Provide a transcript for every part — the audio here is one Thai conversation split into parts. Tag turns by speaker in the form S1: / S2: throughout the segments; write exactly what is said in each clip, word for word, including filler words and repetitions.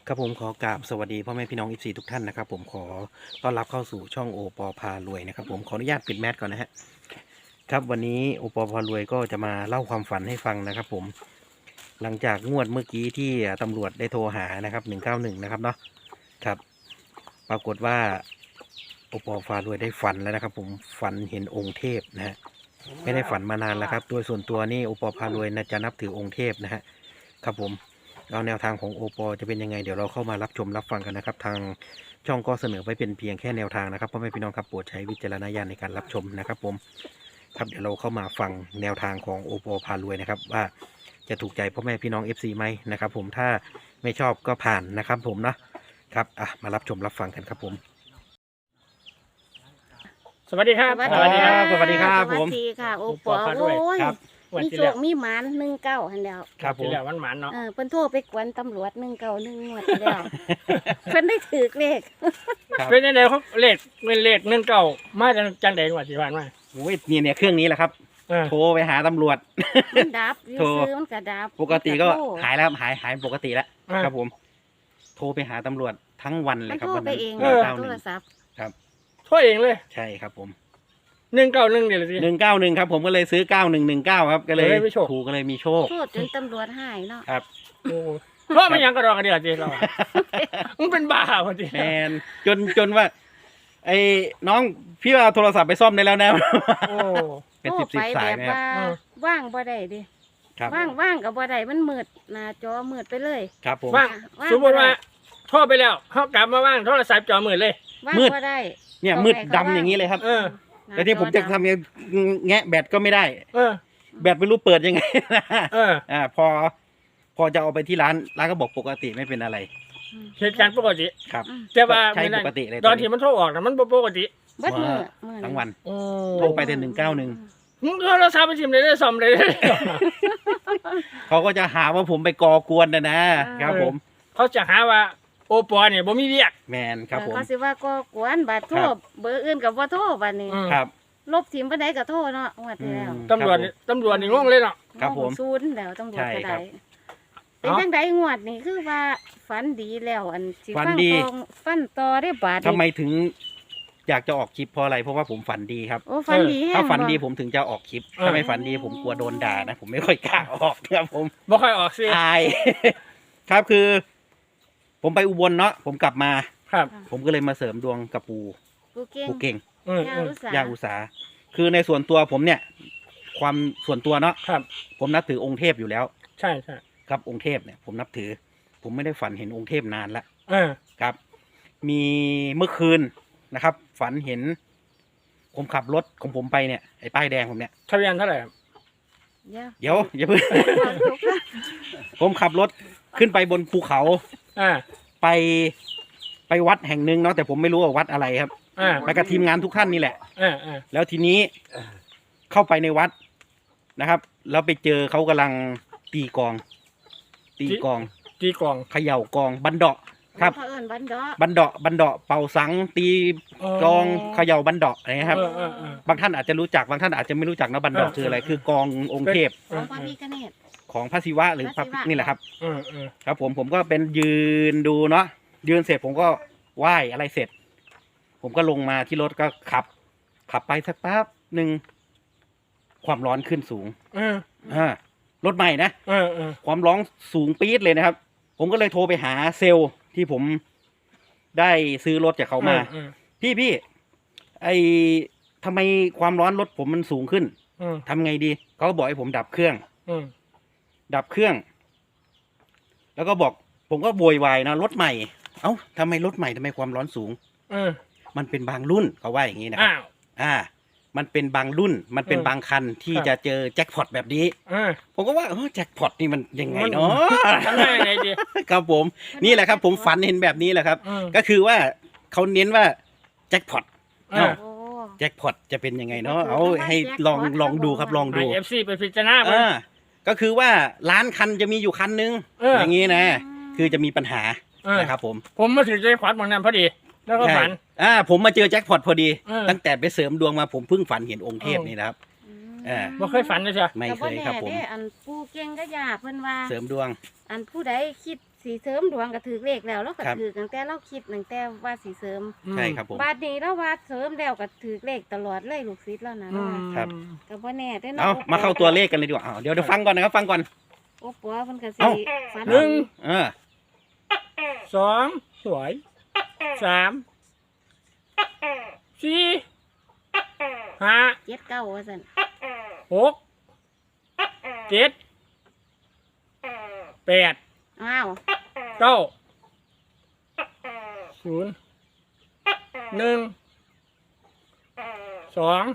S1: ครับผมขอกราบสวัสดีพ่อแม่พี่น้องอีฟซีทุกท่านนะครับผมขอต้อนรับเข้าสู่ช่องโอปอพารวยนะครับผมขออนุญาตปิดแมสก่อนนะฮะครับวันนี้โอปอพารวยก็จะมาเล่าความฝันให้ฟังนะครับผมหลังจากงวดเมื่อกี้ที่ตำรวจได้โทรหานะครับหนึ่งเก้าหนึ่งนะครับเนาะครับปรากฏว่าโอปอพารวยได้ฝันแล้วนะครับผมฝันเห็นองค์เทพนะฮะไม่ได้ฝันมานานแล้วครับโดยส่วนตัวนี่โอปอพารวยน่าจะนับถือองค์เทพนะฮะครับผมเอาแนวทางของโอปอจะเป็นยังไงเดี๋ยวเราเข้ามารับชมรับฟังกันนะครับทางช่องก็เสนอไว้เป็นเพียงแค่แนวทางนะครับพ่อแม่พี่น้องครับโปรดใช้วิจารณญาณในการรับชมนะครับผมครับเดี๋ยวเราเข้ามาฟังแนวทางของโอปอพารวยนะครับว่าจะถูกใจพ่อแม่พี่น้อง เอฟ ซี ไหมนะครับผมถ้าไม่ชอบก็ผ่านนะครับผมนะครับอ่ะมารับชมรับฟังกันครับผม
S2: สวัสดีครับ
S1: สวัสดีครับสวัสดีครับผม
S3: สวัสดีค่ะโอปอ
S2: โอปอด้วย
S3: โอ้ย
S1: ครับ
S2: วัน
S3: มี
S2: ที่
S3: โช
S2: แล้ว
S3: คมีหมานหนึ่งเก้าหันแล้ว
S1: ครับผม
S2: ที่แล้ววันหมานเนาะ
S3: เออเพิ่นโทรไปกวนตำรวจหนึ่งเก้าหนึ่งหมดแล้ว เพิ่นได้ถือเลข
S1: ครับ
S2: เป็นยังไงเขาเลขเงินเลขเงินเก่ามาจากจังใดกว่าที่ผ่านมา
S1: โอ้ยเนี่ยเนี่ยเครื่องนี้แหละครับ
S2: เออ
S1: โทรไปหาตำรวจ
S3: มันดับอยู่
S1: โทร
S3: ซื้อมันก็ดับ
S1: ปกติก็
S3: มันโทร
S1: หายแล้วหายหายปกติแล้ว
S2: เออ
S1: ครับผม โทรไปหาตำรวจทั้งวันเล
S3: มั
S1: ย
S3: น
S1: ครับ
S3: โทร
S1: วัน
S3: ไป
S1: นั้น
S3: เอง
S1: หนึ่งเก้าห
S3: โท
S1: นึ่ง
S3: รศัพท์
S1: ครับ
S2: โทษเองเลย
S1: ใช่ครับผม
S2: หนึ่งเก้าหนึ่งเดี๋ยวเลยสิ
S1: หนึ่งเก้าหนึ่งครับผมก็เลยซื้อเก้าหนึ่งหนึ่งเก้าครับก็เลย
S2: เลยไม่โชค
S1: ถูกก็เลยมีโชค
S3: โทษจนตำรวจหายเนาะ
S1: ครับ
S2: โอ้เพราะมันยังกระดอกกระเดียดจีเรามึงเป็นบ้าพอดี
S1: แมนจนจนว่า ไอ้น้องพี่เอาโทรศัพท์ไปซ่อมได้แล้วนะ
S2: โอ้
S1: เป็น
S3: โทร
S1: สิบสิบ
S3: ไป
S1: สาย
S3: แบบ
S1: นะครับ
S3: ว่า
S2: เออ
S3: ว่างบ่ได้ดิ
S1: ครับ
S3: ว่างว่างกับบ่ได้มันมืดหน้าจอมืดไปเลย
S1: ครับผม
S2: ว่าง
S3: ว่าง
S2: สมมติว่าโทษไปแล้วเขากลับมาว่างโทรศัพท์จอมือเลย
S3: ว่าง
S1: มืด
S3: บ่ได้
S1: เนี่ย
S3: ต้อง
S1: มืด
S3: ให้เขา
S1: ดำ
S3: ว่าง
S1: อย่างนี้เลยครับ
S2: เออ
S3: หน้า
S1: แล้วที่ผมจะ
S3: ดำ
S1: ทำยังแงะแบตก็ไม่ได้
S2: เออ
S1: แบตไม่รู้เปิดยังไง
S2: เออ
S1: อ่าพอ พอจะเอาไปที่ร้านร้านก็บอกปกติไม่เป็นอะไร
S3: อืม
S2: เหตุการณ์ปกติ
S1: ครับ
S3: อืม
S2: แต่ว่า
S1: ใช้
S2: ไม่ได้
S1: ปกติเลย
S2: ตอนที่มันโทรออกนะมันบ่ปกติ
S3: เบิดมือมือ
S1: ทั้งวัน
S2: โอ้
S1: โทรไปแต่หนึ่งเก้าหนึ่ง
S2: มึงโทรศัพท์ไปชิมเลยได้ซ่อมเลยได้
S1: เขาก็จะหาว่าผมไปก่อกวนนะนะครับผม
S2: เขาจะหาว่าโอปอเนี่ยบ่มีเรียก
S1: แมนครับผม
S3: เออเขาสิว่าก็กวนบัดโทร
S1: ครับ
S3: เบอร์อื่นกับบ่โทรบัดนี้
S2: อืม
S1: ครับ
S3: ลบทิมปานใดก็โทรเนาะงวดที่แล้ว
S1: อืม
S2: ตำรวจนี่ตำรวจนี่งงเลยเนาะ
S1: ครับผม
S3: ศูนย์แล้วตำรวจ
S1: ใช่
S3: ก็
S1: ครั
S3: ได้
S1: บ
S3: เป็น
S2: เอ้า
S3: จังไดงวดนี่คือว่าฝันดีแล้วอันสิ
S1: ฝัน
S3: ฟัง
S1: ดี
S3: ตองฟันต่อได้บาด
S1: ทำไมถึงอยากจะออกคลิปเพราะอะไรเพราะว่าผมฝันดีครับ
S3: โอ้ฝันดีแฮง
S1: ถ้าฝันดี
S3: บ่
S1: ผมถึงจะออกคลิป ถ้าไม่ฝันดีผมกลัวโดนด่านะ ผมไม่ค่อยกล้าออกครับผม
S2: บ่ค่อยออกสิ
S1: อาย ครับคือ ผมไปอุบลเนาะผมกลับมา
S2: ครับ
S1: ผมก็เลยมาเสริมดวงกับปู
S3: กูเก่ง
S1: ปูเก่ง
S2: อืม
S3: ย่า
S2: อืม
S3: รู้สา
S1: ย่าอุสาคือในส่วนตัวผมเนี่ย ความส่วนตัวเนาะ
S2: ครับ
S1: ผมนับถือองค์เทพอยู่แล้ว
S2: ใช่ใช่
S1: ครับองค์เทพเนี่ยผมนับถือ ผมไม่ได้ฝันเห็นองค์เทพนานละ
S2: เออ
S1: ครับ มีเมื่อคืนนะครับ ฝันเห็น ผมขับรถของผมไปเนี่ยไอ้ป้ายแดงผมเนี่ย
S2: ทะเบียนเท่าไหร่ครับ
S3: ย่า
S1: เดี๋ยวอย่าเพิ่ง ผมขับรถขึ้นไปบนภูเขา
S2: อ่า
S1: ไปไปวัดแห่งหนึ่งเนาะแต่ผมไม่รู้ว่าวัดอะไรครับ
S2: อ่า
S1: ไปกับทีมงานทุกท่านนี่แหละ
S2: อ่าอ่า
S1: แล้วทีนี้เข้าไปในวัดนะครับ แล้วไปเจอเขากำลังตีกลอง ตีกลอง
S2: ตีกลอง
S1: เขย่ากลองบันเดาะครับ
S3: เขาเอิ้นบันดอก
S1: บันเดาะบันเดาะเป่าสังตีกลองเขย่าบันเดาะอะไรนะครับ
S2: เออเออเออบ
S1: างท่านอาจจะรู้จักบางท่านอาจจะไม่รู้จักนะบันเดาะ
S2: เออ
S1: คืออะไร คือกลององค์เทพ
S3: ของพระพิฆเนศ
S1: ของพระศิวะหรือพระ
S3: พระศิวะ
S1: นี่แหละครับ
S2: เออเออ
S1: ครับ ผมผมก็เป็นยืนดูเนาะยืนเสร็จผมก็ไหว้อะไรเสร็จ ผมก็ลงมาที่รถก็ขับ ขับไปสักแป๊บหนึ่งความร้อนขึ้นสูง
S2: เออ
S1: อ่ารถใหม่นะ
S2: เออเออ
S1: ความร้อนสูงปี๊ดเลยนะครับ ผมก็เลยโทรไปหาเซลล์ที่ผมได้ซื้อรถจากเขามา
S2: เออ
S1: พี่พี่ไอทำไมความร้อนรถผมมันสูงขึ้น
S2: เออ
S1: ทำไงดีเขาก็บอกให้ผมดับเครื่อง
S2: เออ
S1: ดับเครื่อง แล้วก็บอก ผมก็โวยวายนะรถใหม่ เอ้าทำไมรถใหม่ทำไมความร้อนสูง
S2: เออ
S1: มันเป็นบางรุ่นเขาว่าอย่างนี้นะครับ
S2: อ้าว
S1: อ่า มันเป็นบางรุ่น มันเป็น
S2: เออบ
S1: างคันที่
S2: ครับ
S1: จะเจอแจ็คพอตแบบนี้
S2: เออ
S1: ผมก็ว่าเออแจ็คพอตนี่มันยังไง
S2: มัน
S1: เนาะ
S2: ทำได้ยังไงดี
S1: ครับผม นี่แหละครับ ผมฝันเห็นแบบนี้แหละครับ
S2: เออ
S1: ก็คือว่าเขาเน้นว่าแจ็คพอต
S2: เออ
S3: โอ้
S1: แจ็คพอตจะเป็นยังไงเนาะเอาให้ลองลองดูครับลอง
S2: ให้
S1: ดู
S2: เอฟซีไปพิจารณาไป
S1: อ่าก็คือว่าล้านคันจะมีอยู่คันนึง
S2: เออ
S1: อ
S2: อ
S1: ย่างนี้นะ คือจะมีปัญหา
S2: เออ
S1: นะครับผม
S2: ผมมาถึงใจขวัญบางนั้นพอดี แล้วก็
S1: ใช่
S2: ฝัน
S1: อ่าผมมาเจอแจ็คพอตพอดี
S2: เออ
S1: ตั้งแต่ไปเสริมดวงมาผมเพิ่งฝันเห็นองค์เทพนี่นะครับ เออ
S2: บ่เคยฝันเลยใช่
S1: ไม่
S3: แต่
S1: เค
S3: บ่
S1: ย
S3: แน่
S1: ครับผม
S3: เด้อันผู้เก่งก็ยากเพิ่นว่า
S1: เสริมดวง
S3: อันผู้ใดคิดสีเสริมดวงก็ถือเลขแล้วเราก็
S1: ครับ
S3: ถือตั้งแต่เราคิดตั้งแต่ว่าสีเสริม
S1: ใช่ครับผม
S3: บาดนี้เราว่าเสริมแล้วก็ถือเลขตลอดเลยลูกศิษย์แล้วนะ
S2: อืม
S1: ครับ
S3: ก็บ่แน่เด้อ
S1: เอา
S3: เนาะ
S1: มาเข้าตัวเลขกันเลยดีกว่าอ้าวเดี๋ยวเดี๋ยวฟังก่อนนะครับฟังก่อน
S3: โอ้ปัวเพิ่นก็สิ
S1: เอ้า
S3: ฝัน
S2: หนึ่ง
S1: เออ
S2: สองสวยสามสี่ห้า
S3: เจ็ดเก้าว่าซั่น
S2: หกเจ็ดแปด
S3: อ้าว
S2: เก้าศูนย์หนึ่งสอง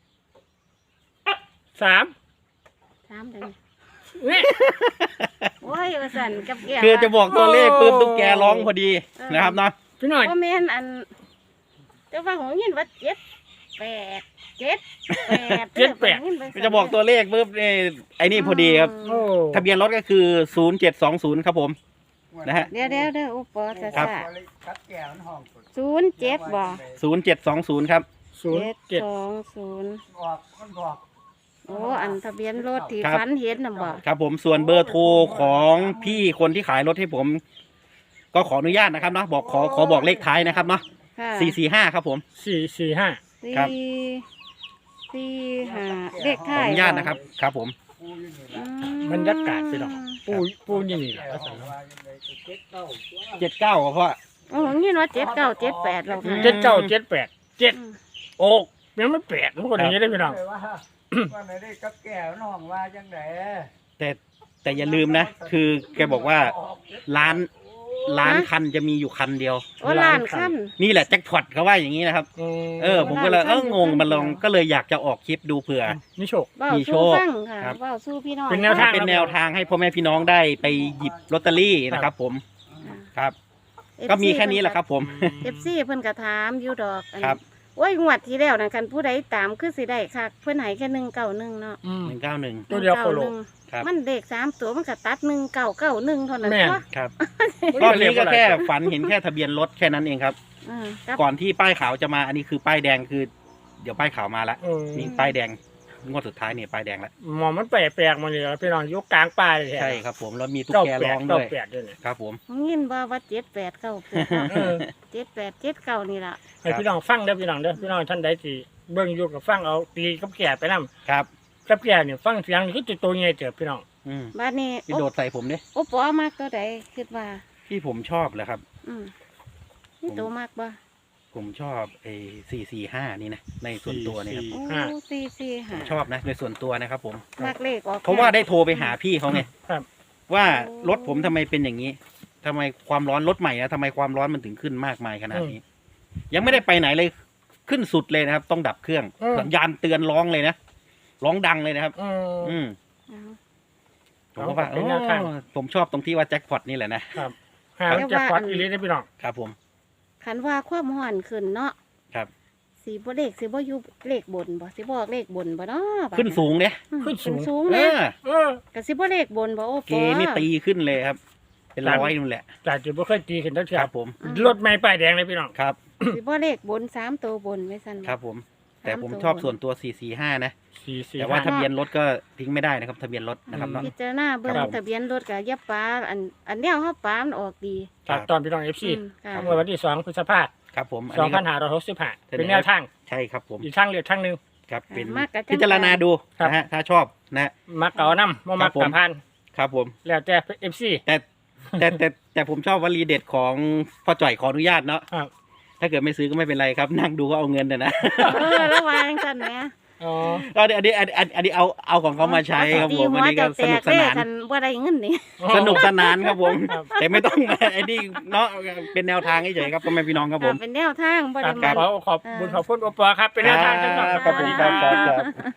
S2: สาม
S3: ถามจัง
S2: นี่
S3: โอ้ยว่าซั่นกับแก้ว
S1: คือจะบอกตัวเลขปุ๊บ
S2: โอ้
S1: ตุ๊กแกร้องพอดีนะครับเนาะ
S2: พี่หน่อย
S3: บ่แม่นอันแต่ว่าของยินว่าเจ็ดแปดเจ็ดแปด
S2: เจ็ดแปด
S3: ออพิ่นว่า
S1: จะบอกตัวเลขปุ๊บนี่ไอ้นี่พอดีครับ
S2: โอ้
S1: ทะเบียนรถก็คือศูนย์เจ็ดสองศูนย์ครับผม นะฮะ
S3: เดี๋ยวเดี๋ยวเดี๋ยวอุปอซะ
S1: ครับ
S3: ซะศูนย์เจ็ดบ่
S1: ศูนย์เจ็ดสองศูนย์ครับ
S2: ศูนย์เจ็ด
S3: สองศูนย์
S4: บอกมันบอก
S3: โอ้อันทะเบียนรถที่
S1: ครับ
S3: ฝันเห็นน่ะบ่
S1: ครับผมส่วนเบอร์โทรของพี่คนที่ขายรถให้ผม ก็ขออนุญาตนะครับเนาะบอกขอขอบอกเลขท้ายนะครับเนาะ
S3: ค่ะ
S1: สี่สี่ห้าครับผม
S2: สี่สี่ห้า
S3: สี่
S1: ครับ
S3: สี่ห้าเลข
S1: ขอ
S3: ท้าย
S1: อนุญาตนะครับ ครับผม
S4: กูอยู่นี่
S3: อื
S4: ละ
S3: ม
S2: บรรยากาศพี่น้องปูปูนี่นี่แหละ
S4: แต่ว่ายังไงก็เจ็ดเก้าตัว
S1: เจ็ดเก้าเพราะ
S3: โอ้ผมยินว่าเจ็ดเก้าเจ็ดแปดแล้วค่ะ
S2: เจ็ดเก้าเจ็ดแปดเจ็ด
S3: อืม
S2: โอกยังไม่แปดทุกคนอย่างนี้ได้พี่น้อง
S4: เลยว่าว่าไหนได้กับแก้วน้องว่าจังได
S1: แต่แต่อย่าลืมนะ คือแกบอกว่าร้านร้านคันจะมีอยู่คันเดียว
S3: โอ้ล้านขั้น
S1: นี่แหละแจ็คพอตเขาว่าอย่างนี้นะครับ เออ ผมก็เลยเอองงมันลองก็เลยอยากจะออกคลิปดูเผื่อ
S2: นี่โชค
S3: เว้า
S1: มีโช
S3: สู้
S1: ค
S3: ฟังค่ะ
S1: ครับ
S3: เว้าสู้พี่น้อง
S2: เป็นแนวทาง
S1: เป็นแนวทางให้พ่อแม่พี่น้องได้ไปหยิบลอตเตอรี่นะครับผมครับ ก็มีแค่นี้แหละครับผม
S3: เอฟซีเพิ่นก็ถามอยู่ดอกอัน
S1: ครับ
S3: โอ้ยงวดที่แล้วนั่นคันผู้ใดตามคือสิได้คักเพิ่นให้แค่หนึ่งเก้าหนึ่งเนาะ
S2: อืม
S1: หนึ่งเก้าหนึ่ง
S2: ตัวเดียวโคโล
S1: ครับ
S3: มันเด็กสามตัวมันก็ตัดหนึ่งเก้าเก้าหนึ่งเท่านั้น
S2: แม่น
S3: เนาะ
S1: ครับ
S2: ร
S1: ร
S2: อ
S1: อ
S2: บบ นี้
S1: นี้
S2: ก็
S1: ก็
S2: แค่
S1: แค่ฝันเห็นแค่ทะเบียนรถแค่นั้นเองครับ
S3: อ่ากับ
S1: ก่อนที่ป้ายขาวจะมาอันนี้คือป้ายแดงคือ เดี๋ยวป้ายขาวมาแล้ว
S2: เออ
S1: นี่ป้ายแดงงวดสุดท้ายเนี่ยป้ายแดงแล้ว
S2: หมอมันแปลกแปลกๆมาเลยพี่น้องยกกลางป่าเลย
S1: ใช่ครับผมแล้วมีตุ๊ก
S2: เก้า
S1: แก
S2: แป
S1: ร้
S2: ด
S1: อง
S2: เก้า
S1: ด้วย
S2: แปดด้วยเนี่ย
S1: ครับผม
S3: ผมยินว่าว่าเจ็ดแปดเก้าแปด
S2: เออ
S3: เจ็ดแปดเจ็ดเก้านี่ล่ะ
S2: ให้พี่น้องฟังเด้อพี่น้องเด้อพี่น้องท่านใดที่เบิ่งอยู่กับฟังเอาตีกับแก่ไปนำ
S1: ครับ
S2: กับแก่เนี่ยฟังเสียงนี่คือตัวใหญ่เจอพี่น้อง
S1: อืม
S3: บัดนี้
S1: พี่โดดใส่ผมเนี่ย
S3: โอ้ปอมากตัวใดคิดว่า
S1: ที่ผมชอบเลยครับ
S3: อืมนี่ตัวมากบ่
S1: ผมชอบไอ้สี่สี่ห้านี่นะในส่วนตัวเนี่ยครับ
S3: โอ้
S2: ห้า
S3: สี่สี่
S1: ผ
S3: ห้าม
S1: ชอบนะในส่วนตัวนะครับผม
S3: มากเลขออก
S1: เพราะว่าได้โทรไปหาพี่เขาไง
S2: ครับ
S1: ว่ารถผมทำไมเป็นอย่างนี้ทำไมความร้อนรถใหม่นะทำไมความร้อนมันถึงขึ้นมากมายขนาดนี้ ยังไม่ได้ไปไหนเลยขึ้นสุดเลยนะครับ ต้องดับเครื่อง
S2: อืม
S1: สัญญาณเตือนร้องเลยนะร้องดังเลยนะครับ
S2: อืม
S1: อืม
S3: เอา
S1: ผมก็ว่า
S2: เป็นแนวทาง
S1: โอ้ผมชอบตรงที่ว่าแจ็คพอตนี่แหละนะครับ
S2: หาจะฟอดอีลิสได้พี่น้อง
S1: ครับผม
S3: คันว่าความห่อนขึ้นเนาะ
S1: ครับ
S3: สีบ่เลขสีบ่อยู่เลขบนบ่สิบอกเลขบนบ่เนาะบัด
S1: ขึ้นสูงเนี่ย
S3: อืม
S2: ขึ้นสูง
S3: สูง
S1: เอ
S3: นะ
S1: อ
S2: เออ
S3: ก็สิบ่เลขบนบ่โอ้
S1: เกนี่ตีขึ้นเลยครับ เป็นร้อยนู่นแหละ
S2: จากจุดบ่เคยตีขึ้นตั้ง
S1: ค
S2: แต่
S1: รับผม
S2: รถไม่ป้ายแดงเลยพี่น้อง
S1: ครับ
S3: สิบ่เลขบนสามตัวบนไว้ซั่น
S1: ครับผม แต่ผม
S3: สามตัว
S1: ชอบส่วนตัวสี่สี่ห้านะ
S2: สี่สี่
S1: แต่ว่า
S2: ห้า
S1: ทะเบียนรถก็ทิ้งไม่ได้นะครับ ทะเบียนรถนะครับเนาะ
S3: พิจารณาเบิ่ง
S1: ครับ
S3: ทะเบียนรถก็อย่าปาอันอันแนวเฮาปามันออกดี
S2: จากตอนพี่น้องเอฟซี
S3: อืมค่ะ
S2: เมื่อวันที่สองพฤษภา
S1: ครับผมอัน
S2: สอง
S1: นี้
S2: พั
S1: ก็
S2: นห้าร้อยหกสิบห้า
S1: เสนอ
S2: เป็นแนวทาง
S1: ใช่ครับผม
S2: อีกทางเลือกทางหนึ่ง
S1: ครับเป็น
S3: มากกะจัง
S1: พิจารณาดู
S2: ครับ
S1: นะฮะถ้าชอบนะ
S2: มักเก่านำบ่มัก
S1: ครับผม
S2: กับพัน
S1: ครับผม
S2: แล้วแต่เอฟซี
S1: แต่แต่แต่แต่ผมชอบวลีเด็ดของพ่อจ่อยขออนุญาตเนาะ
S2: ครับ
S1: ถ้าเกิดไม่ซื้อก็ไม่เป็นไรครับ นั่งดูก็เอาเงินแต่นะ
S3: เออระวังซั่นแหม
S2: อ๋อ
S1: ก็อันนี้อันนี้อันนี้อันนี้เอาเอาของเขามาใช้ครับผมอันนี้ก็สนุกสนาน
S3: คันบ่ได้เงินนี่
S1: สนุกสนานครับผม
S2: ครับ
S1: แต่ไม่ต้องมาไอ้นี่เนาะเป็นแนวทางเฉยๆครับพ่อแม่พี่น้องครับผม
S3: เป็นแนวทางบ่
S2: ค
S3: ได้
S2: รับ
S3: มัน
S2: ขอขอบบุญขอบคุณโอปอครับเป็นแนวทางจังหวัด
S1: ขอบคุณครับครับครับ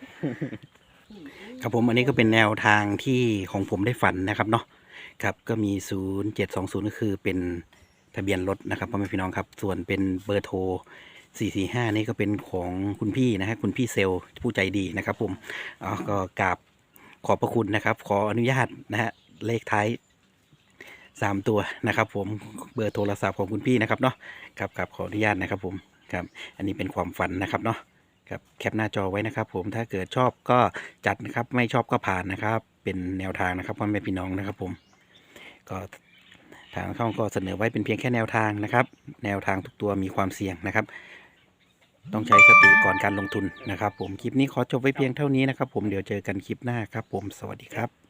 S1: ครับผมอันนี้ก็เป็นแนวทางที่ของผมได้ฝันนะครับเนาะครับก็มีศูนย์เจ็ดสองศูนย์ก็คือเป็นทะเบียนรถนะครับพ่อแม่พี่น้องครับ ส่วนเป็นเบอร์โทรสี่สี่ห้านี่ก็เป็นของคุณพี่นะฮะคุณพี่เซลล์ผู้ใจดีนะครับผมอ๋อก็กราบขอบพระคุณนะครับ ขออนุญาตนะฮะเลขท้ายสามตัวนะครับ ผมเบอร์โทรศัพท์ของคุณพี่นะครับเนาะครับกับขออนุญาตนะครับผมครับอันนี้เป็นความฝันนะครับเนาะครับแคปหน้าจอไว้นะครับ ผมถ้าเกิดชอบก็จัดนะครับไม่ชอบก็ผ่านนะครับ เป็นแนวทางนะครับพ่อแม่พี่น้องนะครับ ผมก็ทางช่องก็เสนอไว้เป็นเพียงแค่แนวทางนะครับ แนวทางทุกตัวมีความเสี่ยงนะครับ ต้องใช้สติก่อนการลงทุนนะครับ ผมคลิปนี้ขอจบไว้เพียงเท่านี้นะครับ ผมเดี๋ยวเจอกันคลิปหน้าครับ ผมสวัสดีครับ